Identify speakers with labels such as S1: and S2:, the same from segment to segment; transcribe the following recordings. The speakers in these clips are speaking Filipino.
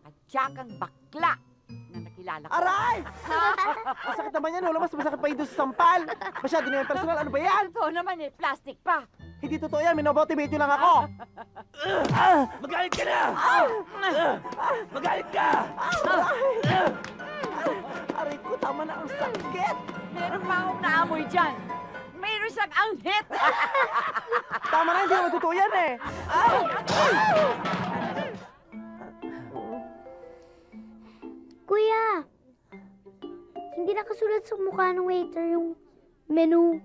S1: at tiyakang bakla na nakilala ko.
S2: Aray! Masakit naman yan, Lola. Mas masakit pa yun doon sa sampal. Masyado na yung personal. Ano ba yan?
S1: Totoo naman eh, plastic pa.
S2: Hindi totoo yan. Minomotivate nyo lang ako.
S3: Magalit ka na! Magalit ka!
S2: Aray ko, tama na ang sakit.
S1: Meron pa akong naamoy dyan. Mayroon siyang anghit.
S2: Tama na, hindi naman totoo yan eh.
S4: Kuya, hindi nakasulat sa mukha ng waiter yung menu.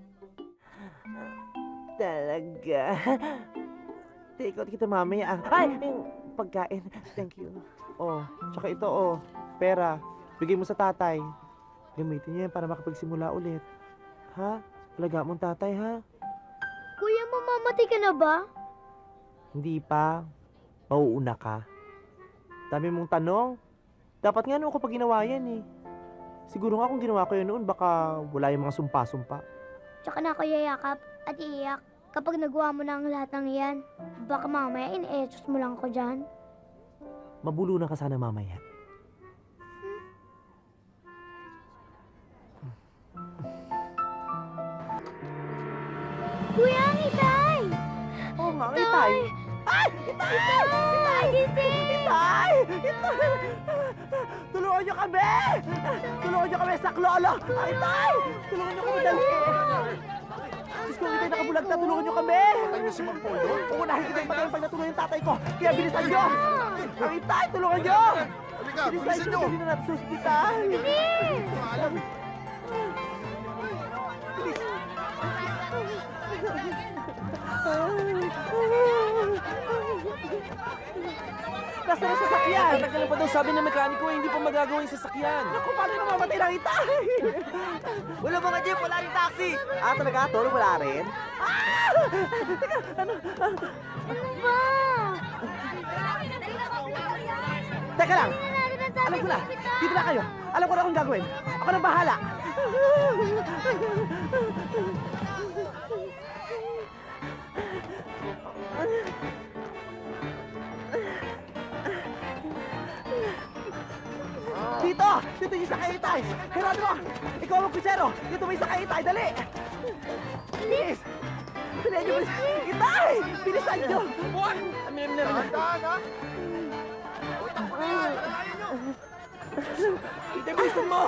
S2: Talaga. Take out kita mamaya. Ay, yung pagkain. Thank you. Oh, tsaka ito, oh. Pera. Bigay mo sa tatay. Gamitin niya yan para makapagsimula ulit. Ha? Alaga mong tatay, ha?
S4: Kuya, mamamatay ka na ba?
S2: Hindi pa. Mauuna ka. Dami mong tanong. Dapat nga noon ko pa ginawa yan, eh. Siguro nga kung ginawa ko yun noon, baka wala yung mga sumpa-sumpa.
S4: Tsaka na ako yayakap at iiyak kapag nagawa mo na ang lahat ng iyan. Baka mamaya in-etos mo lang ako dyan.
S2: Mabulo na ka sana mamaya.
S4: Kuya, ang itay!
S2: Oo nga, itay! Ay! Itay! Itay!
S4: Gising!
S2: Itay! Itay! Tulungan niyo kami! Tulungan niyo kami, saklolo! Ay, Itay! Tulungan niyo kami, dali! Diyos ko, Itay, nakabulag na. Tulungan niyo kami!
S3: Patay na si Mang Polo?
S2: Uunahin kita yung patayin pag natulungan yung tatay ko. Kaya bilisan niyo! Ang Itay, tulungan niyo!
S3: Halika,
S2: Bilisan
S3: bilisan
S2: niyo!
S3: nyo!
S2: Hindi na natin sa ospital!
S3: Alam.
S2: Nasaan ang sasakyan?
S5: Tagal pa daw sabi ng mekaniko hindi pa magagawa yung sasakyan.
S2: Naku, paano namamatay ng Itay?
S5: Wala mga jeep, wala rin taxi.
S2: Talaga? Tulong wala rin?
S4: Ano ba?
S2: Teka lang!
S4: Natin ang tatay
S2: Alam ko
S4: sa
S2: na!
S4: ospital.
S2: Dito na kayo! Alam ko na kung gagawin! Ako na bahala! Dito! Dito yung sakay Itay! Geronimo! Ikaw ang kutsero! Dito may sakay Itay! Dali! Bilis! Bilisan niyo! Itay! Bilisan niyo!
S5: Buwan! Amin na rin.
S3: Dahan, ha?
S5: Ite, bilisan mo!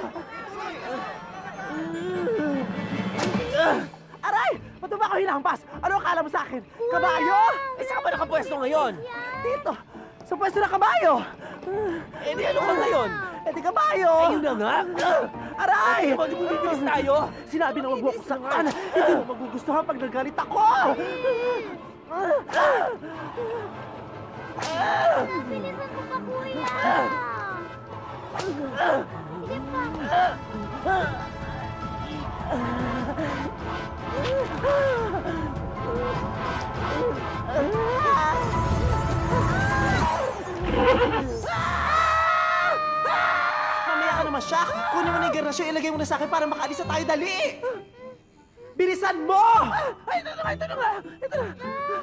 S2: Aray! Ba't ba ako hinampas? Ano akala mo sa akin? Kabayo?
S5: Eh, saan ka ba nakapwesto ngayon?
S2: Dito! Sa pwesto na kabayo!
S5: Eh, di ano ka ngayon?
S2: Eh di kabayo!
S5: Ayun na nga!
S2: Aray!
S5: Ay, di mo bibilis tayo?
S2: Sinabi na huwag mo akong saktan! Hindi mo magugustuhan pag nagalit ako!
S4: Bilisan mo pa, kuya! Sige pa!
S2: Mamaya ka naman siya! Kunin mo na yung garnasyon, ilagay mo na sa akin para makaalis na tayo, dali! Bilisan mo! Ay, ito na nga, ito na nga! Ito na!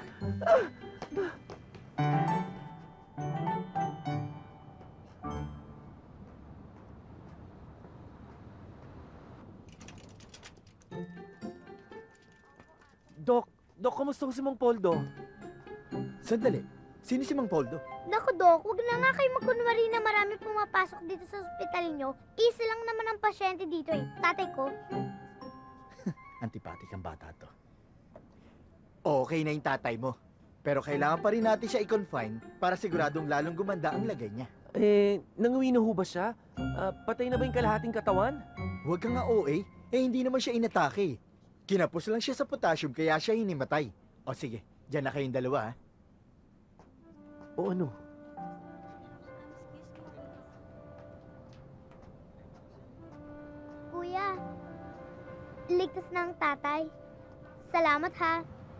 S5: Dok, kamusta ko si Mang Poldo?
S3: Sandali. Sino si Mang Poldo?
S4: Naku, Dok, huwag na nga kayo magkunwari na marami pumapasok dito sa ospital niyo. Isa lang naman ang pasyente dito eh. Tatay ko.
S3: Antipatik ang bata to. Okay na yung tatay mo. Pero kailangan pa rin natin siya i-confine para siguradong lalong gumanda ang lagay niya.
S5: Eh, nanguwi na ho ba siya? Patay na ba yung kalahating katawan?
S3: Huwag ka nga OA. Hindi naman siya inatake. Kinapos lang siya sa potassium kaya siya hinimatay. O sige, dyan na kayong dalawa ha.
S5: O ano?
S4: Kuya, ligtas na ang tatay. Salamat ha.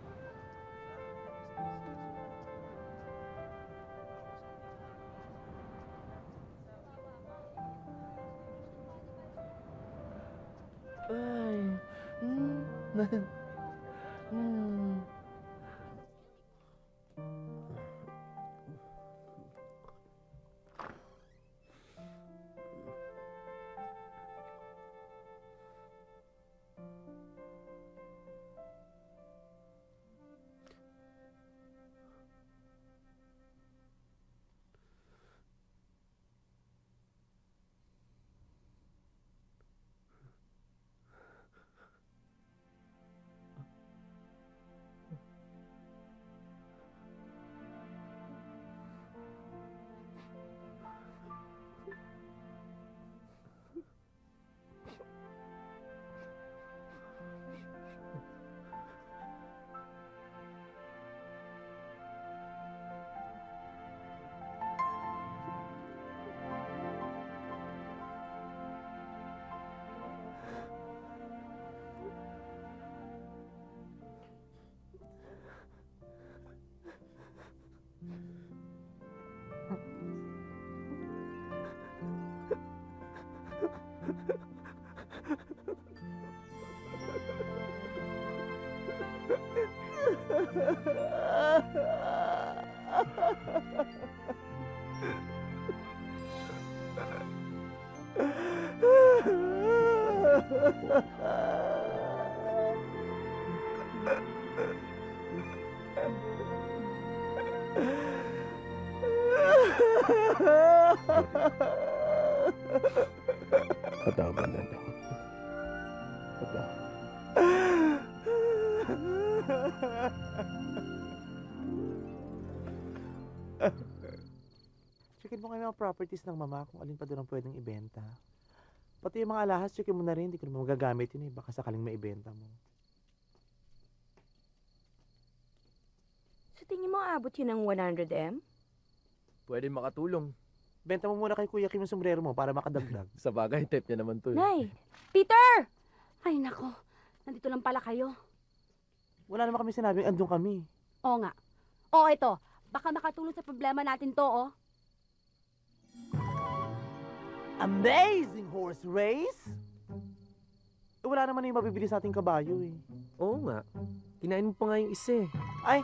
S5: Ay. Patawaban na ako.
S2: Checkin mo kayo mga properties ng mama kung alin pa doon ang pwedeng ibenta. Pati yung mga alahas, checkin mo na rin. Hindi ko naman magagamit yun eh. Baka sakaling maibenta mo.
S6: Sa tingin mo, abot yun ng 100M?
S5: Pwede makatulong.
S2: Benta mo muna kay Kuya Kim yung sombrero mo para makadagdag.
S5: Sa bagay, type niya naman to.
S6: Nay! Peter! Ay, nako. Nandito lang pala kayo.
S2: Wala naman kami sinabing andun kami.
S6: Oo nga. Oo, ito. Baka makatulong sa problema natin to, oh.
S2: Amazing horse race! Wala naman na yung mabibili sa ating kabayo eh.
S5: Oo nga. Kinain mo pa nga yung isa eh.
S2: Ay!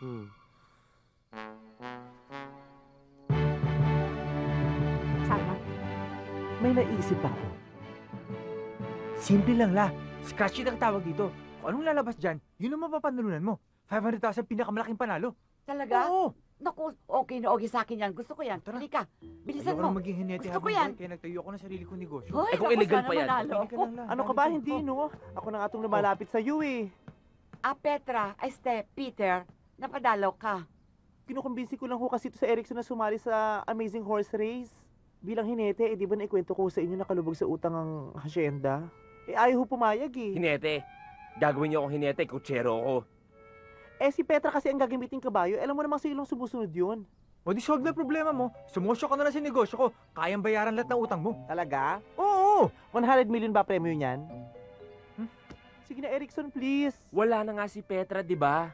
S6: Sama.
S2: May naisip ako.
S7: Simple lang la. Scratch it ang tawag dito. Kung anong lalabas dyan, yun ang mapapanalunan mo. 500,000 pinakamalaking panalo.
S1: Talaga?
S7: Oo.
S1: Naku, okay na okay sa akin yan. Gusto ko yan.
S7: Tara.
S1: Halika, bilisan
S7: Ayoko
S1: mo.
S7: na maging hinete
S1: Gusto ko
S7: habang
S1: yan.
S7: buhay, kaya nagtayo ako ng sarili kong negosyo.
S1: Hoy,
S5: Eh, kung
S1: naku,
S5: illegal
S1: sana
S5: pa yan.
S1: manalo
S7: Tumigil ka
S1: ako.
S7: lang, la.
S2: Ano ka ba? Hindi, no? Ako na nga itong lumalapit sa iyo eh.
S1: Petra, Peter, napadalaw ka.
S2: Kinukumbinsi ko lang ho kasi ito sa Erickson na sumali sa Amazing Horse Race. Bilang hinete, di ba naikwento ko sa inyo na kalubog sa utang ang hasyenda? Ayaw ho pumayag eh.
S5: Hinete. Gagawin niyo akong hinete, kutsero ako.
S2: Si Petra kasi ang gagamiting kabayo. Alam mo namang sa ilong sumusunod yun.
S7: O di solve na problema mo. Sumosyo ka na lang sa negosyo ko. Kayang bayaran lahat ng utang mo.
S2: Talaga?
S7: Oo.
S2: 100 million ba premyo niyan? Sige na, Erickson, please.
S5: Wala na nga si Petra, di ba?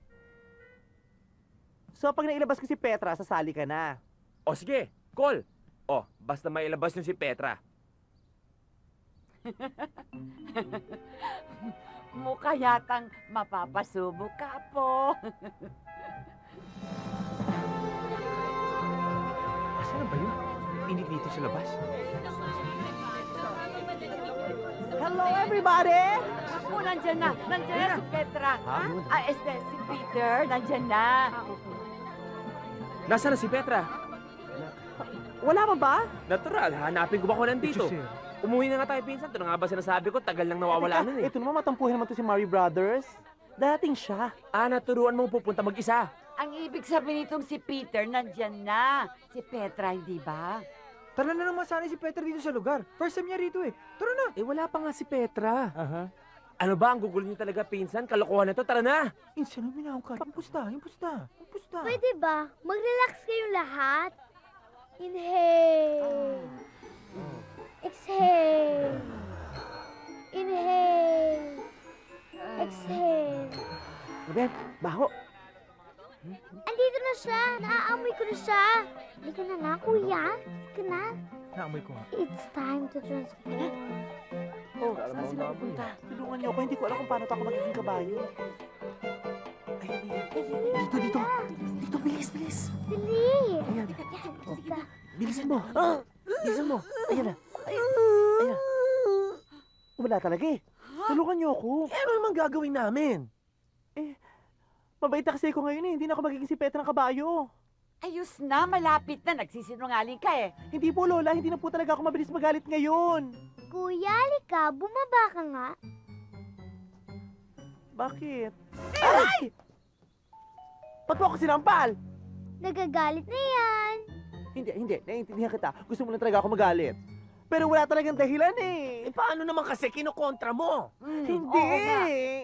S2: So, pag nailabas ko si Petra, sasali ka na.
S5: O sige, call. O, basta may ilabas niyo si Petra.
S1: Mukha yatang mapapasubo ka po.
S7: Asan na ba yun? Init dito sa labas.
S2: Hello, everybody!
S1: Ako, nandyan na. Nandyan na si Petra.
S7: Ha?
S1: Si Peter, nandyan na.
S5: Nasaan na si Petra?
S2: Wala pa ba?
S5: Natural, hanapin ko ba kung nandito?
S7: Sir.
S5: Umuwi na nga tayo, pinsan. Ito na nga ba sinasabi ko? Tagal nang nawawala nun eh.
S2: Ito naman, matampuhin naman to si Mari Brothers. Dating siya.
S5: Naturuan mong pupunta mag-isa.
S1: Ang ibig sabihin nitong si Peter, nandyan na. Si Petra, hindi ba?
S7: Tara na naman sana si Peter dito sa lugar. First time niya rito eh. Tara na.
S5: Wala pa nga si Petra.
S2: Aha.
S5: Ano ba, ang gugulo niyo talaga, pinsan? Kalokohan na to, tara na!
S7: Insan ang minahong ka. Yung pusta.
S4: Pwede ba? Mag-relax kayong lahat. Inhale. Exhale. Inhale. Exhale.
S2: Ben, baho.
S4: Andito na siya. Naaamoy ko na siya. Hindi ka na kuya. Hindi ka na.
S7: Naamoy ko nga.
S4: It's time to transform.
S2: Oh, saan sila pupunta? Tulungan niyo ako, hindi ko alam kung paano ako magiging kabayo. Ay, dito. Dito, bilis.
S4: Dali.
S2: Ayan.
S4: Sige.
S2: Bilisan mo. Bilisan mo. Ayan na. Ayan na. Wala talaga eh. Tulungan niyo ako.
S5: Ano naman gagawin namin?
S2: Mabait na kasi ako ngayon eh. Hindi na ako magiging si Petra ng kabayo.
S1: Ayos na, malapit na. Nagsisinungaling ka eh.
S2: Hindi po, Lola. Hindi na po talaga ako mabilis magalit ngayon.
S4: Kuya, halika. Bumaba ka nga.
S2: Bakit? Ay! Ba't mo ako sinampal?
S4: Nagagalit na yan.
S2: Hindi. Naiintindihan kita. Gusto mo lang talaga ako magalit. Pero wala talagang dahilan eh.
S5: Paano naman kasi kinukontra mo?
S2: Hindi.
S1: Oo nga.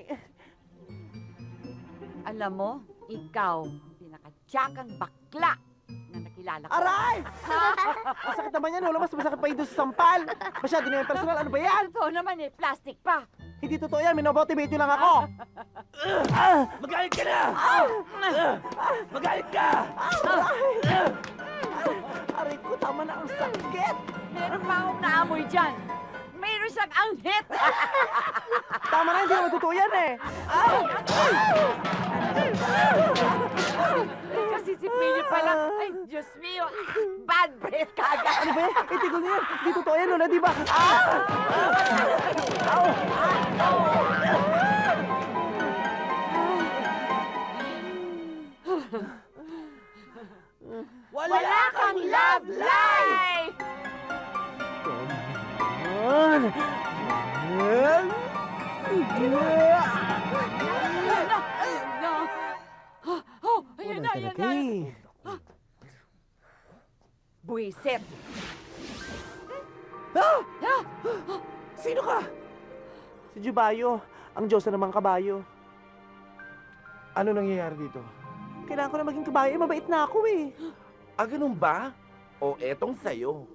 S1: Alam mo, ikaw, pinakatsakang bakla na nakilala ko.
S2: Aray! Masakit naman yan, Lola. Mas masakit pa yun doon sa sampal. Masyado na yung personal. Ano ba yan?
S1: Totoo naman eh, plastic pa.
S2: Hindi totoo yan, minomotivate nyo lang ako!
S5: Magalit ka na! Magalit ka!
S2: Aray ko, tama na ang sakit!
S1: Meron pa akong naamoy dyan. Meron siyang anghit.
S2: Tama na, hindi naman totoo yan eh!
S1: Kasi si Philip pala, ay, Diyos mio, bad breath kagad.
S2: Ano ba yan? Itigol na yan! Hindi totoo yan, Lola, di ba?
S1: Wala kang love life! Ayun na! Ayun na! Oh, ayun na, ayun na! Buisit!
S2: Sino ka? Si Jubayo, ang Diyos na namang kabayo.
S5: Ano nangyayari dito?
S2: Kailangan ko na maging kabayo, mabait na ako eh.
S5: Ah, ganun ba? O etong sayo.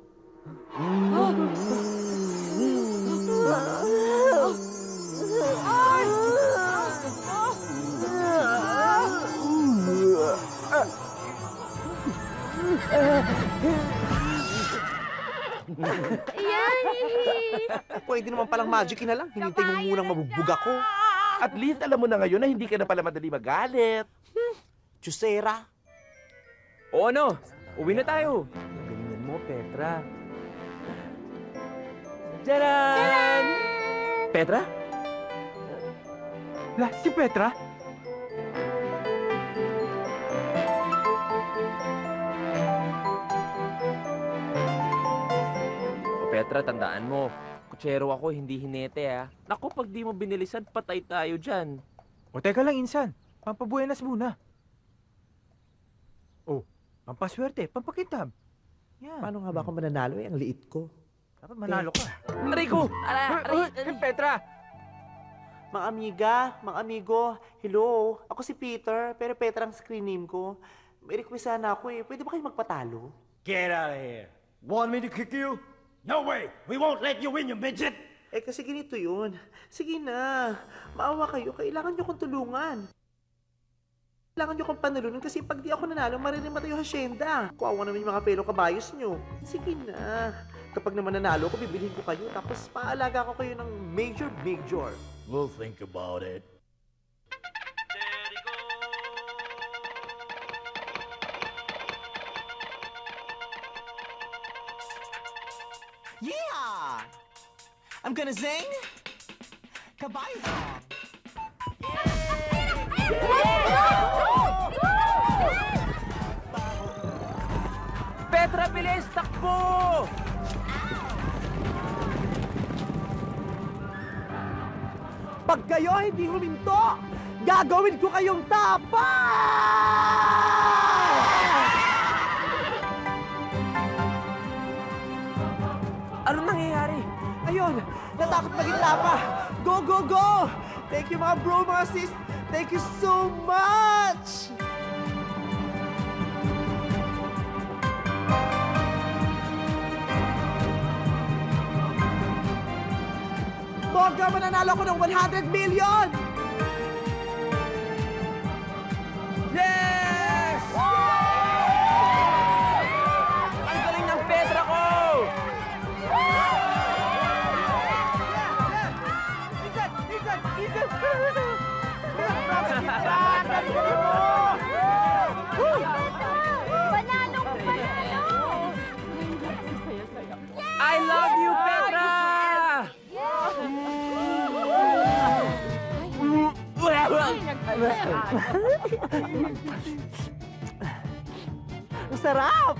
S2: Pwede naman palang magic na lang. Hinintay mo munang mabugbog ako.
S5: At least alam mo na ngayon na hindi ka na pala madali magalit.
S2: Chusera.
S5: O ano? Uwi na tayo. Ganyan mo, Petra. Tcharan! Petra?
S7: La, si Petra?
S5: O Petra, tandaan mo. Kutsero ako, hindi hinete Naku, pag di mo binilisan, patay tayo dyan.
S7: O teka lang, insan. Pampabuenas muna. Oh, pampaswerte, pampakitab. Yan.
S2: Paano nga ba ako mananalo eh? Ang liit ko.
S7: Dapat manalo ka.
S5: Aray ko!
S7: Petra!
S2: Mga amiga, mga amigo, hello. Ako si Peter, pero Petra ang screen name ko. May request sana ako eh. Pwede ba kayo magpatalo?
S8: Get out of here. Want me to kick you? No way! We won't let you win, you midget!
S2: Eh kasi ganito yun. Sige na. Maawa kayo. Kailangan nyo kong tulungan. Kailangan nyo kong panulunan kasi pag di ako nanalo, maririmatay yung hasyenda. Kuwawa naman yung mga fellow kabayos nyo. Sige na. Kapag naman nanalo ko, bibilhin ko kayo. Tapos paalaga ko kayo ng major.
S8: We'll think about it.
S9: Yeah! I'm gonna sing Kabayo song.
S5: Petra, bilis! Takbo!
S2: Pag kayo hindi huminto, gagawin ko kayong tapa!
S5: Ano nangyayari?
S2: Ayun, natakot maging tapa. Go, go, go! Thank you mga bro, mga sis. Thank you so much! Bongga, mananalo ko ng 100 million!
S5: Yes! Ang galing ng Petra ko!
S4: Panalong panalo!
S5: I love you, Petra!
S2: Ang sarap!